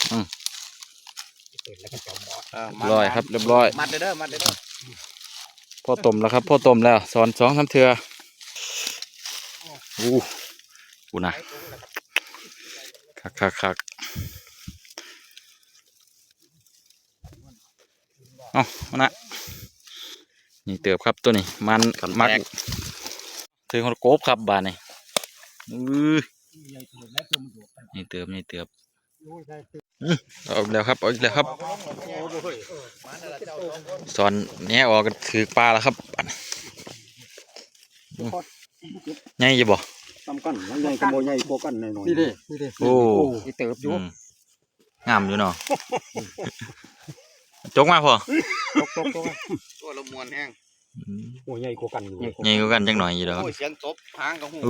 ร้อยครับเรียบร้อยมัดเด้อมัดเด้อพ่อต้มแล้วครับพ่อต้มแล้วสอน2-3 เทื่อกูนะคักเอานะนี่เติบครับตัวนี้มันมักถึงคนโกบครับบานนี่นี่เติบออกแล้วครับสอนแหนออกถือปลาแล้วครับใหญ่ยี่บ่ทำกันใหญ่กระโมใหญ่โกกันหน่อยนี่ดิโอ้เติบอยู่งามอยู่เนาะจกมาพอตัวละมวนแห้งโอ้ใหญ่โกกันอยู่ใหญ่กว่ากันจังหน่อยอยู่ดอกเสียงตบหางกับหู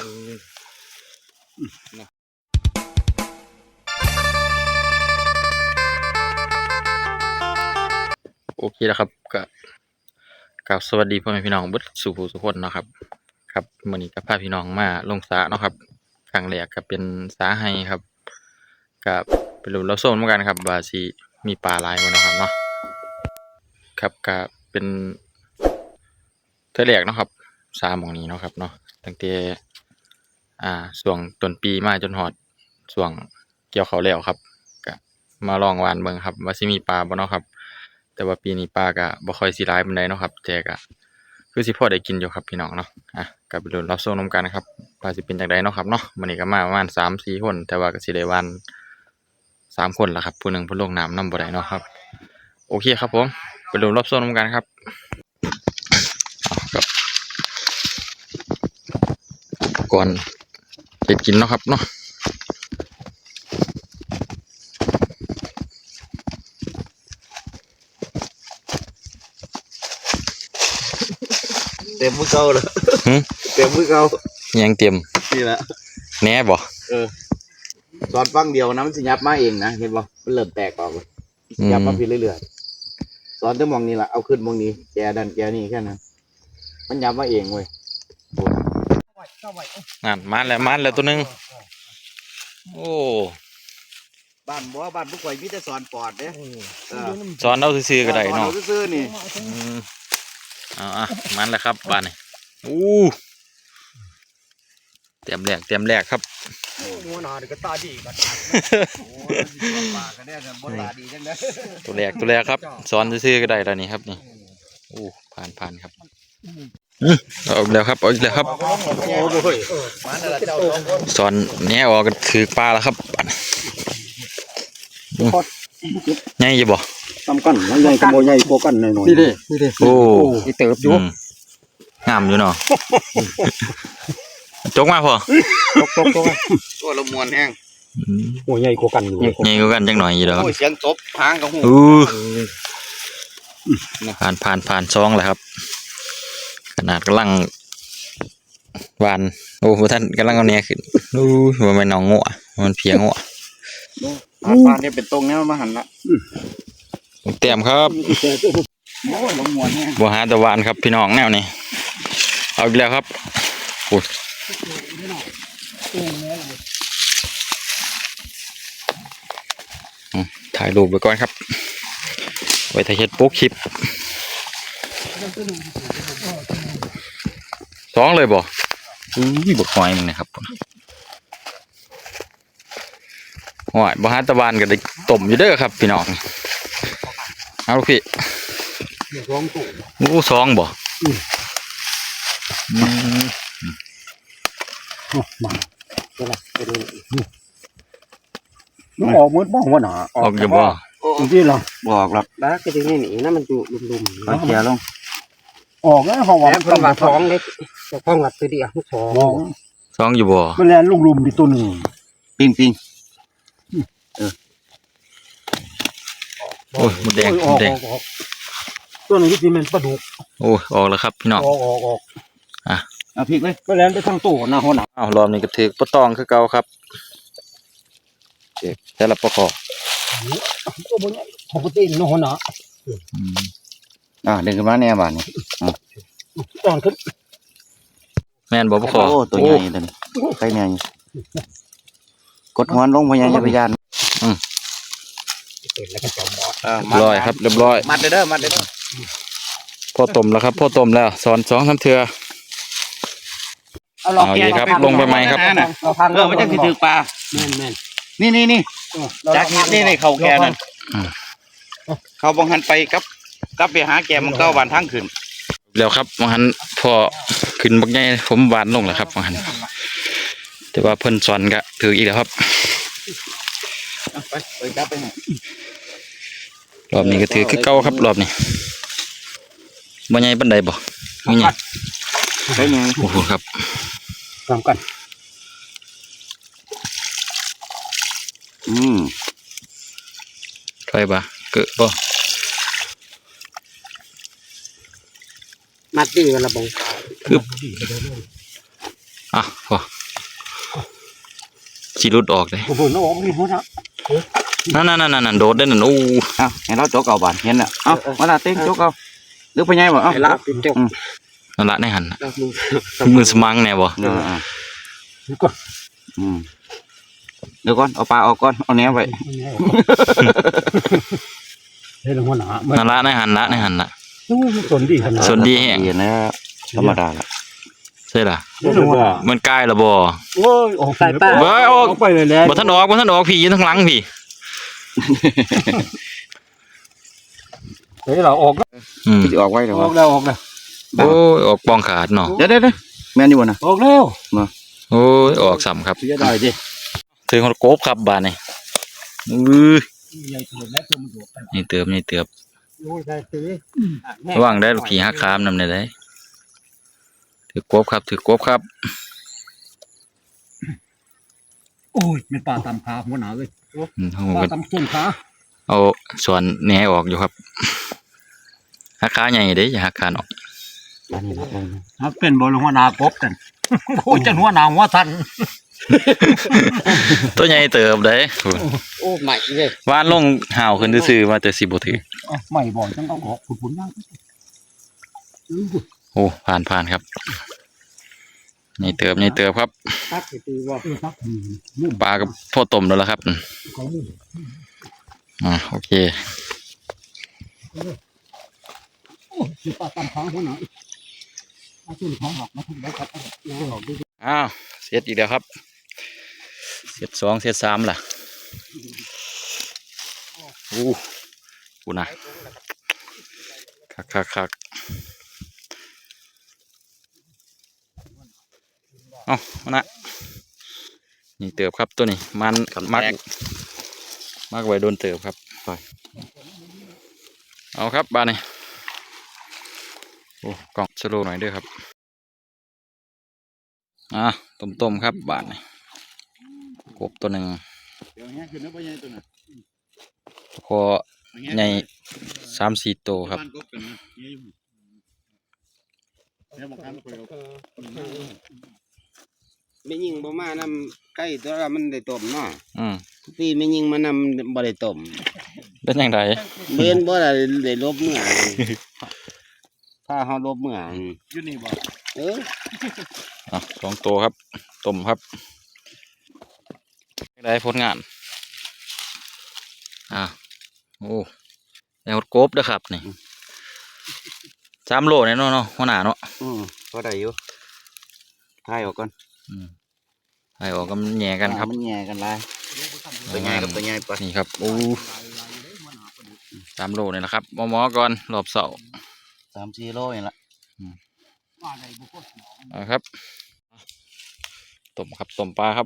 โอเคแล้วครับกับสวัสดีพ่อแม่พี่น้องเบิดสู่ผู้สุคนเนาะครับครับมื้อนี้ก็พาพี่น้องมาลงสระเนาะครับครั้งแรกก็เป็นสระไห้ครับกับไปลุ้นรับชมเหมือนกันครับว่าสิมีปลาหลายบ่เนาะครับเนาะครับก็เป็นเทื่อแรกเนาะครับสระหม้องนี้เนาะครับเนาะตั้งแต่ช่วงต้นปีมาจนฮอดช่วงเกี่ยวข้าวแล้วครับก็มาลองหว่านเบิ่งครับว่าสิมีปลาบ่เนาะครับแต่ว่าปีนี้ปลาก็บ่ค่อยสิหลายปานใดเนาะครับแต่ก็คือสิพอได้กินอยู่ครับพี่น้องเนาะก็ไปลุ้นรับชมนำกันนะครับว่าสิเป็นจังไดเนาะครับเนาะมื้อนี้ก็มาประมาณ 3-4 คนแต่ว่าก็สิได้หว่าน3 คนล่ะครับผู้หนึงเพิ่นลงน้ำนำบ่ได้เนาะครับโอเคครับผมไปลุ้นรับชมนำกันครับครับก่อนเฮ็ดกินเนาะครับเนาะเต็มมือเก่าเลยเต็มมือเก่ายังเตรียมนี่แหละแหน่บ่สอนฟังเดียวนะมันสิยับมาเองนะเห็นบ่มันเริ่มแตกออกเลยยับมาผิดเรื่อยๆสอนแต่มองนี่แหละเอาขึ้นมองนี้แกดันแกนี่แค่นั้นมันยับมาเองเว้ยนั่นมันแล้วตัวนึงโอ้บ้านบุกไข่มีแต่สอนปอดเด้สอนเอาซื่อๆก็ได้เนาะซื่อๆนี่มันแหละครับบ้านนี่เตรียมแรกครับหัวหน้าก็ตาดีก็ตาปากก็ได้กันบนตาดีจังเลยตัวแรกครับสอนซื่อๆก็ได้แล้วนี่ครับนี่ผ่านครับออกแล้วครับสอนแหนออกถือปลาแล้วครับใหญ่ยี่บ่ทำกันใหญ่กระโมใหญ่โกกันหน่อยนี่ดิโอ้เติบอยู่งามอยู่เนาะจกมาพอตัวละมวนแห้งโอ้ใหญ่โกกันอยู่ใหญ่กว่ากันจังหน่อยอยู่ดอกเสียงตบหางกับหูผ่าน2แล้วครับขนาดกำลังหวานท่านกำลังเอาเนี้ยขึ้นว่ามันน้องงัวมันเพียงัวปลาเนี่ยเป็นตรงนี้มาหันละเตรียมครับบัวหาตะวันครับพี่น้องแนวนี้เอาอีกแล้วครับถ่ายรูปไปก่อนครับไว้ถ่ายเฮ็ดปุ๊กคลิป2เลยบ่บกหอยมึงนะครับหอยบัวหาตะวันก็ได้ต้มอยู่เด้อครับพี่น้องเอาลูกพี่2บ่มันออกมืดบ้องวะหนาออกอยู่บ่จริงๆหรอบอกหรอกแล้วก็จะนี่หนีนะมันอยู่ลุ่มๆเขียลงออกแล้วห้องวัดต้องมาท้องเล็กห้องวัดตัวเดียว 2อยู่บ่มันแลนลุ่มๆดิตัวหนึ่งปิงโอ้ยมดแดงตัวนึงที่มันปลาดุกออกแล้วครับพี่น้องออกเอาพริกเลยมันแลนไปทางตู้นะหัวหน้ารอบนี้ก็ถือปลาตองคือเก่าครับแต่ละปลาคอปกติน้องหัวหน้าเดินขึ้นมาแน่บ้านนี่ตอนขึ้นแม่นบ่ปลาคอตัวใหญ่ตัวนี้ใครเนี่ยกดหัวลงพยายามเสร็จแล้วก็จอมบอสเรียบร้อยครับเรียบร้อยมัดเด้อมัดเด้อพ่อต้มแล้วครับพ่อต้มแล้วสอน2-3เทื่อลองเอาแกะอีกครับลงไปไหมครับเราพังมันจะถือปลาแม่นแม่นนี่จากนี่เขาแกนั่นเขาบังหันไปกับไปหาแกมันก็วันทั้งคืนแล้วครับบางหันพอขึ้นบักใหญ่ผมหวานลงแล้วครับบางหันแต่ว่าเพิ่นสอนก็ถืออีกแล้วครับไปจับไปไหนรอบนี้ก็ถือคือเก่าครับรอบนี้บ่ใหญ่ปานใดบ่มีหยังไปไงโอ้โหครับพร้อมกันถอยบ่เกิดบ่มัดดีกันละบงอ่ะพอสิหลุดออกเลยโอ้โหน้องมีหัวนะนั่นโดดได้นั่นโอ้เอาเห็นเราโจกเอาบานเห็นอ่ะเอามาละเต้งโจกเอาหรือไปไงบ่เอาไอ้ลาบเป็นเจ้านั่นละในหันน่ะลาบมือมือสมังแน่บ่เดี๋ยวก็เดี๋ยวก่อนเอาปลาออกก่อนเอาแหนไว้เฮ้ยหัวหนานั่นละในหันละในหันละมันสนดีขนาดส่วนดีแฮงเย็นแล้วธรรมดาละใช่ล่ะเฮ้ยหัวมันใกล้และบ่โอ้ยออกสายป้าเว้ยออกไปเลยแล้วบ่ทันออกพี่อยู่ทางหลังพี่เฮ้ยเราออกแล้วอืมจะออกไว้เดี๋ยวออกแล้วออกแล้วโอ้ยออกปองขาดเนาะเดี๋ยวแม่นอยู่บ่นะออกแล้วโอ้ยออกซ้ำครับจะได้ดิถึงคนโกบครับบาดนี้อื้อใหญ่สุดแล้วตัวมันโดดไปนี่เติบโอ้ยได้สิระวังได้ลูกผีหักคามนำได้เลยถือกบครับถือกบครับโอ้ยเป็นปลาตำขาหัวหนาเลยผมปลาก็ตำส้นขาเอาส่วนแหนออกอยู่ครับหักขาใหญ่เด้อย่าหักขาออกอันนี้ละมันเป็นบอลหัวหนากบกันโอ้ยจังหัวหนาหัวทันตัวใหญ่เติบเด้โอ้ใหม่เลยว่านลงห่าวขึ้นซื่อๆว่าแต่สิบ่ถือใหม่บ่อยจังเอาออกผุนๆมากโอ้ผ่านครับนี่เติบครับตักตีว่าตักปลากับพ่อต้มแล้วล่ะครับเขามุ่งโอเคโอ้ยปลาตำขาหัวหนาเอาส้นขาหักมาทุกแล้วครับออกดูอ้าวเสร็จอีกแล้วครับเสร็จ2เสร็จ3ล่ะอู้กูนะคักเอานะนี่เติบครับตัวนี้มันมักไว้โดนเติบครับไปเอาครับบ้านนี้โอ้กล่องสโลว์หน่อยด้วยครับต้มครับบ้านนี้กบตัวหนึ่งเดี๋ยวแห้งขึ้นนะพ่อใหญ่ตัวน่ะพอใหญ่3-4ตัวครับบ้านกบกันนะเนี่ยอยู่แล้วบางครั้งก็ไปเอาไม่ยิงบ่มานำไก่ตัวละมันได้ต้มเนาะอืมพี่ไม่ยิงมานำบ่ได้ต้มเป็นยังไงเบนบ่ได้ลบเมื่อถ้าเฮาลบเมื่ออยู่นี่บ่เออ 2ตัวครับต้มครับได้ผลงานโอ้แล้วกบเด้อครับนี่3 โลเนี่ยเนาะหัวหน้าเนาะก็ได้อยู่ทายออกก่อนไอ้ออกก็มันแย่กันครับมันแย่กันหลายตัวใหญ่กับตัวใหญ่ปะนี่ครับโอ้3 โลเนี่ยนะครับหมอก่อนรอบเสาร์ 3-4 โลนี่ละครับต้มครับต้มปลาครับ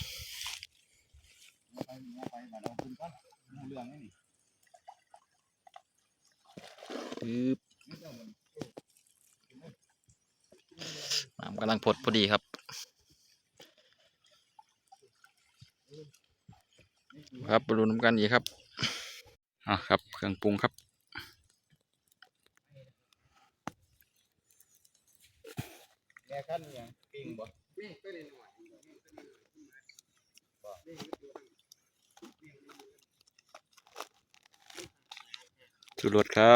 น้ำกำลังพดพอดีครับครับไปดูน้ำกันอีกครับครับเครื่องปรุงครับชูรสครับ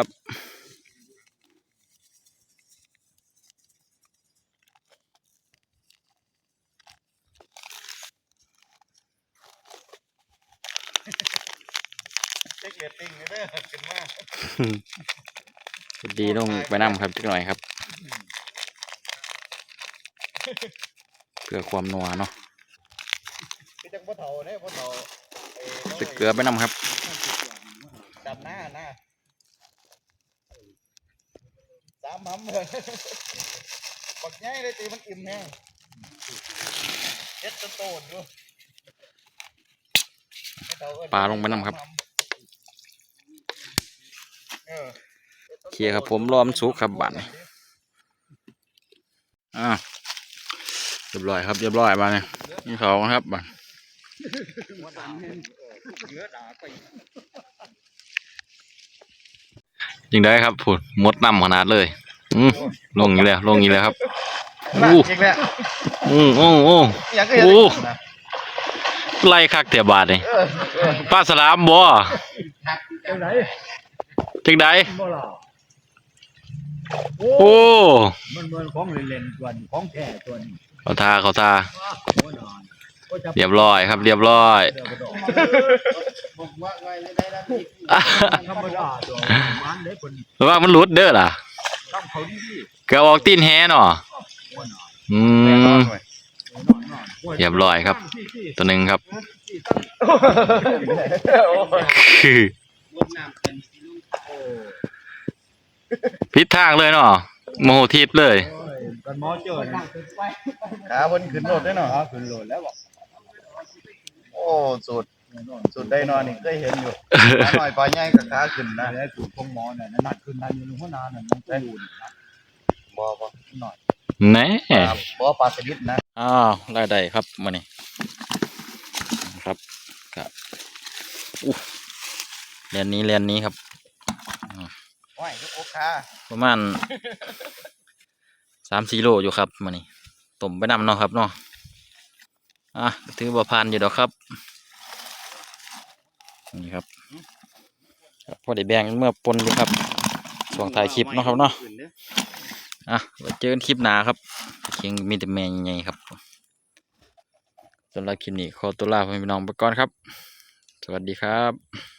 ช็คเรตติ้งเด้อขึ้นมาดีลงไปน้ำครับจักหน่อยครับเกลือความนัวเนาะคือจังบ่เฒ่าเด้บ่เฒ่าตึกเกลือไปน้ำครับดำหน้าสามหำเลยปักใหญ่เลยตีมันอิ่มแห้งเฮ็ดจนโตนอยู่ปลาลงไปน้ำครับเคลียร์ครับผมรอมนสุกครับบัดนี้เรียบร้อยครับเรียบร้อยมาเนี่ยนี่เขาครับบัดจริงได้ครับผุดมดน้ำขนาดเลยลงอยู่แล้วลงอยู่แล้วครับอีกแล้วโอ้อย่างก็เห็นไล่คักเตียบาทนี่ปลาสลามบ่จังไหนจังไดบ่ล่ะโอ้มันเหมือนของเล่นๆส่วนของแท้ส่วนเขาทาโอ้นอนก็จะเรียบร้อยครับเรียบร้อยบอกว่าไงเลยได้แล้วพี่ธรรมดาตัวมันได้ผลเพราะว่ามันหลุดเด้อล่ะต้องเขาดีเกาออกตีนแฮเนาะอืมเรียบร้อยครับ ตัวหนึ่งครับคือพิษทางเลยเนาะโมโหทิพย์เลยกันหมอเจอขาบนขึ้นรถได้เนาะขึ้นโหลดแล้วบอกโอ้สุดได้นอนนี่เคยเห็นอยู่ขาหน่อยปลาใหญ่กับขาขึ้นนะแล้วสูตรของหมอเนี่ยนั่นขึ้นทันอยู่หัวนานั่นมันกูนะบ่หน่อยแน่บ่ปลาสลิดนะอ้าวได้ครับมานี่ครับครับเรียนนี้ครับว่ายทุกโอคาประมาณ3-4 โลอยู่ครับมานี่ต้มไปนำเนาะครับเนาะถือว่าผ่านอยู่ดอกครับนี่ครับพอได้แบ่งเมื่อปนอยู่ครับช่วงถ่ายคลิปเนาะครับเนาะไว้เจอกันคลิปหน้าครับเคียงมีแต่แม่ใหญ่ๆครับสำหรับคลิปนี้ขอตัวลาพี่น้องไปก่อนครับสวัสดีครับ